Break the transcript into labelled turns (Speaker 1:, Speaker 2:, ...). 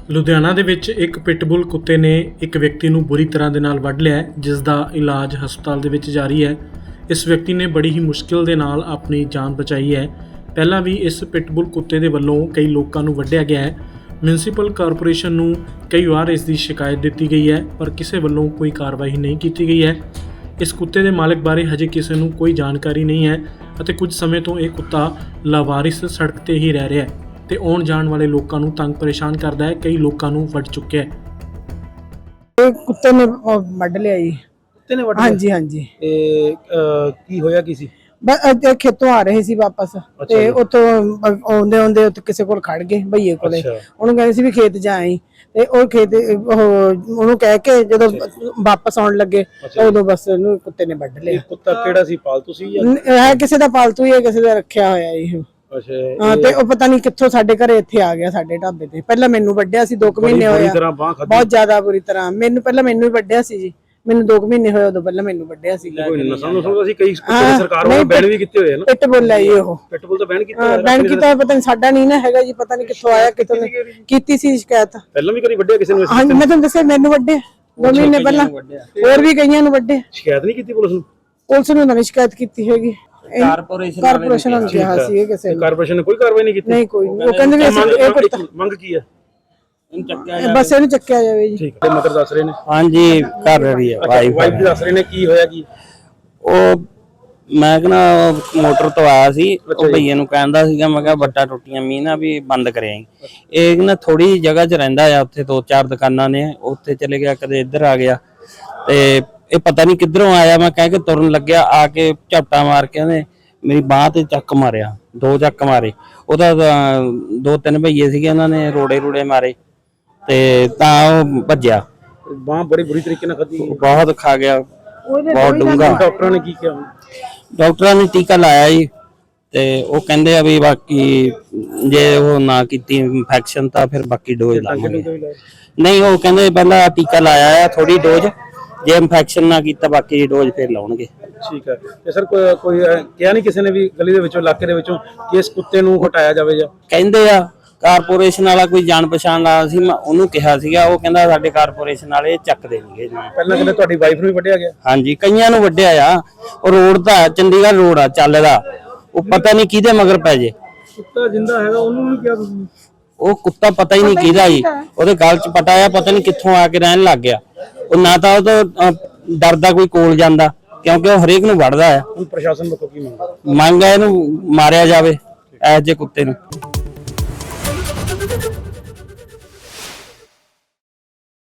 Speaker 1: ਲੁਧਿਆਣਾ ਦੇ ਵਿੱਚ ਇੱਕ ਪਿਟਬੁਲ ਕੁੱਤੇ ਨੇ ਇੱਕ ਵਿਅਕਤੀ ਨੂੰ ਬੁਰੀ ਤਰ੍ਹਾਂ ਦੇ ਨਾਲ ਵੱਢ ਲਿਆ, ਜਿਸ ਦਾ ਇਲਾਜ ਹਸਪਤਾਲ ਦੇ ਵਿੱਚ ਜਾਰੀ ਹੈ। ਇਸ ਵਿਅਕਤੀ ਨੇ ਬੜੀ ਹੀ ਮੁਸ਼ਕਿਲ ਦੇ ਨਾਲ ਆਪਣੀ ਜਾਨ ਬਚਾਈ ਹੈ। ਪਹਿਲਾਂ ਵੀ ਇਸ ਪਿਟਬੁਲ ਕੁੱਤੇ ਦੇ ਵੱਲੋਂ ਕਈ ਲੋਕਾਂ ਨੂੰ ਵੱਢਿਆ ਗਿਆ ਹੈ। ਮਿਊਨਿਸਪਲ ਕਾਰਪੋਰੇਸ਼ਨ ਨੂੰ ਕਈ ਵਾਰ ਇਸ ਦੀ ਸ਼ਿਕਾਇਤ ਦਿੱਤੀ ਗਈ ਹੈ, ਪਰ ਕਿਸੇ ਵੱਲੋਂ ਕੋਈ ਕਾਰਵਾਈ ਨਹੀਂ ਕੀਤੀ ਗਈ ਹੈ। ਇਸ ਕੁੱਤੇ ਦੇ ਮਾਲਕ ਬਾਰੇ ਹਜੇ ਕਿਸੇ ਨੂੰ ਕੋਈ ਜਾਣਕਾਰੀ ਨਹੀਂ ਹੈ ਅਤੇ ਕੁਝ ਸਮੇਂ ਤੋਂ ਇਹ ਕੁੱਤਾ ਲਾਵਾਰਿਸ ਸੜਕ ਤੇ ਹੀ ਰਹਿ ਰਿਹਾ ਹੈ ਤੇ ਆਉਣ ਜਾਣ ਵਾਲੇ ਲੋਕਾਂ ਨੂੰ ਤੰਗ ਪਰੇਸ਼ਾਨ ਕਰਦਾ ਹੈ। ਕਈ ਲੋਕਾਂ ਨੂੰ ਵੱਢ ਚੁੱਕਿਆ ਹੈ।
Speaker 2: ਕੁੱਤੇ ਨੇ ਵੱਢ ਲਿਆ ਜੀ।
Speaker 3: ਕੁੱਤੇ ਨੇ ਵੱਢ
Speaker 2: ਹਾਂਜੀ ਹਾਂਜੀ।
Speaker 3: ਕੀ ਹੋਇਆ ਕੀ ਸੀ?
Speaker 2: ਬਸ ਖੇਤੋਂ ਆ ਰਹੇ ਸੀ ਵਾਪਸ ਤੇ ਉੱਥੋਂ ਆਉਂਦੇ ਆਉਂਦੇ ਉੱਥੇ ਕਿਸੇ ਕੋਲ ਖੜ ਗਏ, ਭਈਏ ਕੋਲੇ। ਉਹਨੂੰ ਕਹਿੰਦੇ ਸੀ ਵੀ ਖੇਤ ਜਾ ਆਈ, ਤੇ ਉਹ ਖੇਤ ਉਹਨੂੰ ਕਹਿ ਕੇ ਜਦੋਂ ਵਾਪਸ ਆਉਣ ਲੱਗੇ ਉਦੋਂ ਬਸ ਉਹਨੂੰ ਕੁੱਤੇ ਨੇ ਵੱਢ ਲਿਆ।
Speaker 3: ਕੁੱਤਾ ਕਿਹੜਾ ਸੀ, ਪਾਲਤੂ ਸੀ ਜਾਂ
Speaker 2: ਹੈ ਕਿਸੇ ਦਾ ਪਾਲਤੂ ਹੀ ਹੈ, ਕਿਸੇ ਦਾ ਰੱਖਿਆ ਹੋਇਆ ਇਹ। ਹਾਂ, ਤੇ ਉਹ ਪਤਾ ਨਹੀਂ ਕਿੱਥੋਂ ਸਾਡੇ ਘਰੇ ਇੱਥੇ ਆ ਗਿਆ, ਸਾਡੇ ਢਾਬੇ ਤੇ। ਪਹਿਲਾਂ ਮੈਨੂੰ ਵੱਢਿਆ ਸੀ, 2 ਮਹੀਨੇ ਹੋਇਆ, ਬਹੁਤ ਜ਼ਿਆਦਾ ਬੁਰੀ ਤਰ੍ਹਾਂ। ਮੈਨੂੰ ਹੀ ਵੱਢਿਆ ਸੀ ਜੀ, ਮੈਨੂੰ 2 ਮਹੀਨੇ ਹੋਏ, ਉਦੋਂ ਪਹਿਲਾਂ ਮੈਨੂੰ ਵੱਢਿਆ ਸੀ।
Speaker 3: ਕਈ ਸਰਕਾਰ ਵੱਲੋਂ ਬੈਨ ਵੀ ਕੀਤੇ ਹੋਏ ਨੇ।
Speaker 2: ਪਿਟਬੁਲ ਹੈ ਜੀ ਉਹ।
Speaker 3: ਪਿਟਬੁਲ ਤਾਂ ਬੈਨ ਕੀਤਾ ਹੋਇਆ।
Speaker 2: ਬੈਨ ਕੀਤਾ ਪਤਾ ਨਹੀਂ, ਸਾਡਾ ਨਹੀਂ ਨਾ ਹੈਗਾ ਜੀ, ਪਤਾ ਨਹੀਂ ਕਿੱਥੋਂ ਆਇਆ, ਕਿੱਥੋਂ ਕੀਤੀ ਸੀ ਸ਼ਿਕਾਇਤ।
Speaker 3: ਪਹਿਲਾਂ ਵੀ ਕਰੀ ਵੱਢਿਆ ਕਿਸੇ ਨੂੰ?
Speaker 2: ਹਾਂਜੀ, ਮੈਂ ਤੁਹਾਨੂੰ ਦੱਸਿਆ ਮੈਨੂੰ ਵੱਢਿਆ 2 ਮਹੀਨੇ ਪਹਿਲਾਂ, ਹੋਰ ਵੀ ਕਈਆਂ ਨੂੰ ਵੱਢੇ।
Speaker 3: ਸ਼ਿਕਾਇਤ ਨਹੀਂ ਕੀਤੀ ਪੁਲਿਸ ਨੂੰ?
Speaker 2: ਪੁਲਿਸ ਨੂੰ ਨਹੀਂ ਸ਼ਿਕਾਇਤ ਕੀਤੀ ਹੈਗੀ। ਕਾਰਪੋਰੇਸ਼ਨ ਨੂੰ ਕਿਹਾ ਸੀ ਕਿਸੇ ਨੇ।
Speaker 3: ਕਾਰਪੋਰੇਸ਼ਨ ਨੇ ਕੋਈ ਕਾਰਵਾਈ ਨਹੀਂ ਕੀਤੀ?
Speaker 2: ਨਹੀਂ, ਕੋਈ ਨਹੀਂ। ਉਹ ਕਹਿੰਦੇ ਵੀ ਅਸੀਂ
Speaker 3: ਮੰਗ ਕੀ ਹੈ?
Speaker 2: ਬਸ ਇਹਨੂੰ ਚੱਕਿਆ ਜਾਵੇ ਜੀ।
Speaker 3: ਠੀਕ ਹੈ। ਮਦਰ ਦੱਸ ਰਹੇ ਨੇ?
Speaker 4: ਹਾਂਜੀ, ਕਰ ਰਹੀ ਹੈ
Speaker 3: ਵਾਈਫ ਜੀ ਦੱਸ ਰਹੇ ਨੇ। ਕੀ ਹੋਇਆ ਕੀ?
Speaker 4: ਉਹ ਮੈਂ ਕਹਿੰਦਾ ਮੋਟਰ ਤੋਂ ਆਇਆ ਸੀ, ਉਹ ਭਈਏ ਨੂੰ ਕਹਿੰਦਾ ਸੀਗਾ, ਮੈਂ ਕਿਹਾ ਵੱਟਾ ਟੁੱਟੀਆਂ ਮੀਂਹ ਨਾ ਵੀ ਬੰਦ ਕਰਿਆ। ਇਹ ਨਾ ਥੋੜੀ ਜਗ੍ਹਾ 'ਚ ਰਹਿੰਦਾ ਆ, ਉੱਥੇ 2-4 ਦੁਕਾਨਾਂ ਨੇ, ਉੱਥੇ ਚਲੇ ਗਿਆ, ਕਦੇ ਇੱਧਰ ਆ ਗਿਆ, ਤੇ ਇਹ ਪਤਾ ਨਹੀਂ ਕਿੱਧਰੋਂ ਆਇਆ। ਮੈਂ ਕਹਿ ਕੇ ਤੁਰਨ ਲੱਗਿਆ, ਆ ਕੇ ਝਪਟਾ ਮਾਰ ਕੇ ਉਹਨੇ ਮੇਰੀ ਬਾਂਹ ਤੇ ਚੱਕ ਮਾਰਿਆ, 2 ਚੱਕ ਮਾਰੇ। ਉਹਦਾ 2-3 ਭਈਏ ਸੀਗੇ, ਉਹਨਾਂ ਨੇ ਰੋੜੇ ਮਾਰੇ ਤੇ ਤਾਂ ਉਹ ਭੱਜਿਆ।
Speaker 3: ਬਾਂਹ ਬੜੀ ਬੁਰੀ ਤਰੀਕੇ ਨਾਲ ਖਾਧੀ?
Speaker 4: ਬਹੁਤ ਖਾ ਗਿਆ, ਬਹੁਤ ਡੂੰਘਾ।
Speaker 3: ਡਾਕਟਰਾਂ ਨੇ ਕੀ ਕਿਹਾ?
Speaker 4: ਡਾਕਟਰਾਂ ਨੇ ਟੀਕਾ ਲਾਇਆ ਜੀ, ਤੇ ਉਹ ਕਹਿੰਦੇ ਆ ਵੀ ਬਾਕੀ ਜੇ ਉਹ ਨਾ ਕੀਤੀ ਇਨਫੈਕਸ਼ਨ ਤਾਂ ਫਿਰ ਬਾਕੀ ਡੋਜ਼ ਲਾਵਾਂਗੇ। ਨਹੀਂ, ਉਹ ਕਹਿੰਦੇ ਪਹਿਲਾਂ ਟੀਕਾ ਲਾਇਆ ਆ ਥੋੜੀ ਡੋਜ਼, ਜੇ ਇਨਫੈਕਸ਼ਨ ਨਾ ਕੀਤਾ ਬਾਕੀ ਡੋਜ਼ ਫਿਰ ਲਾਉਣਗੇ।
Speaker 3: ਠੀਕ ਹੈ। ਤੇ ਸਰ ਕੋਈ ਕਿਹਾ ਨਹੀਂ ਕਿਸੇ ਨੇ ਵੀ ਗਲੀ ਦੇ ਵਿੱਚੋਂ, ਇਲਾਕੇ ਦੇ ਵਿੱਚੋਂ, ਕਿ ਇਸ ਕੁੱਤੇ ਨੂੰ ਹਟਾਇਆ ਜਾਵੇ? ਜਾਂ
Speaker 4: ਕਹਿੰਦੇ ਆ ਕਾਰਪੋਰੇਸ਼ਨ ਵਾਲਾ ਕੋਈ ਜਾਣ ਪਛਾਣ ਵਾਲਾ ਸੀ, ਮੈਂ ਉਹਨੂੰ ਕਿਹਾ ਸੀਗਾ, ਉਹ ਕਹਿੰਦਾ ਸਾਡੇ ਕਾਰਪੋਰੇਸ਼ਨ ਵਾਲੇ ਚੱਕ ਦੇਣਗੇ।
Speaker 3: ਪਹਿਲਾਂ ਕਹਿੰਦੇ ਤੁਹਾਡੀ ਵਾਈਫ ਨੂੰ ਵੀ ਵੱਢਿਆ ਗਿਆ?
Speaker 4: ਹਾਂਜੀ, ਕਈਆਂ ਨੂੰ ਵੱਢਿਆ ਆ। ਉਹ ਰੋਡ ਦਾ ਚੰਡੀਗੜ੍ਹ ਰੋਡ ਆ ਚੱਲਦਾ, ਉਹ ਪਤਾ ਨਹੀਂ ਕਿਹਦੇ ਮਗਰ ਪੈ ਜੇ।
Speaker 3: ਕੁੱਤਾ ਜਿੰਦਾ ਹੈਗਾ, ਉਹਨੂੰ ਵੀ ਕਿਹਾ ਤੁਸੀਂ?
Speaker 4: ਉਹ ਕੁੱਤਾ ਪਤਾ ਹੀ ਨਹੀਂ ਕਿਹਦਾ ਜੀ, ਉਹਦੇ ਗਲ 'ਚ ਪਟਾ ਆ, ਪਤਾ ਨਹੀਂ ਕਿੱਥੋਂ ਆ ਕੇ ਰਹਿਣ ਲੱਗ ਗਿਆ। ਉਹ ਨਾ ਤਾਂ ਉਹ ਤੋਂ ਡਰਦਾ ਕੋਈ ਕੋਲ ਜਾਂਦਾ, ਕਿਉਂਕਿ ਉਹ ਹਰੇਕ ਨੂੰ ਵੱਢਦਾ ਆ।
Speaker 3: ਹੁਣ ਪ੍ਰਸ਼ਾਸਨ ਵੱਲੋਂ ਕੀ ਮੰਗ
Speaker 4: ਹੈ? ਇਹਨੂੰ ਮਾਰਿਆ ਜਾਵੇ, ਇਹੋ ਜਿਹੇ ਕੁੱਤੇ ਨੂੰ।